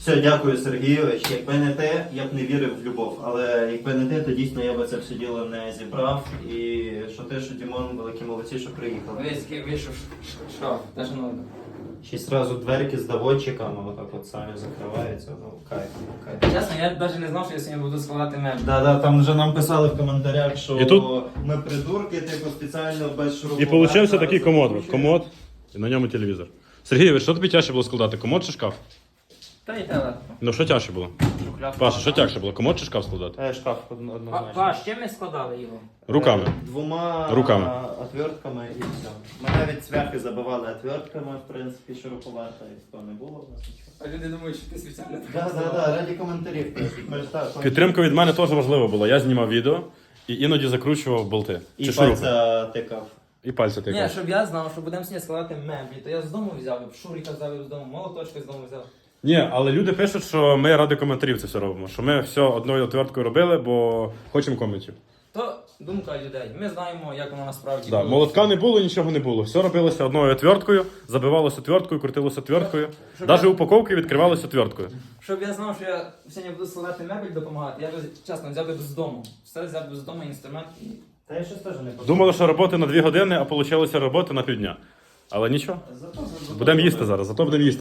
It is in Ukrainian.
Все, дякую, Сергійович. Якби не те, я б не вірив в любов. Але якби не те, то дійсно я би це все діло не зібрав. І що те, що Дімон, великі молодці, що приїхали. Весь вийшов шкаф, навіть не надо. Ще й зразу дверки з доводчиками, отак от самі закриваються. Ну, кайф. Чесно, я навіть не знав, що я сьогодні буду складати меблі. Да, там вже нам писали в коментарях, що І тут- ми придурки, типу спеціально без шуруповерта. І получився такий комод. закручуємо. Комод, і на ньому телевізор. Сергійович, що тобі тяжче було складати? Комод чи шкаф? Та й те легко. Ну що тяжче було? Шухляд. Паша, що тяжче було? Комод чи шкаф складати? Шкаф однозначно. Паш, чим ми складали його? Руками. Двома Руками. отвертками і все. Ми навіть цвяхи забивали отвертками, в принципі, шуруповерта, і то не було в нас нічого. А люди думають, що ти спеціально Да, раді коментарів. Ми ж так, Підтримка від мене теж важлива була. Я знімав відео і іноді закручував болти. і Чи шурупи. пальця тикав. І пальці Ні, тикав. щоб я знав, що будемо сьогодні складати меблі, то я з дому взяв, шуріка взяв з дому, молоточки з дому взяв. Ні, але люди пишуть, що ми ради коментарів це все робимо. Що ми все одною отверткою робили, бо хочемо коментів. То думка людей. Ми знаємо, як воно насправді Да, було. молотка не було, нічого не було. Все робилося одною отверткою, забивалося отверткою, крутилося отверткою. Щоб Навіть я- упаковки відкривалися отверткою. Щоб я знав, що я сьогодні буду складати мебель допомагати, я б, чесно, взяв би з дому. Все взяв би з дому інструмент і... Та я щось теж не подумав. Думали, що роботи на 2 години, а вийшло роботи на півдня. Але нічого. Зато Будемо їсти зараз, зато будемо їсти.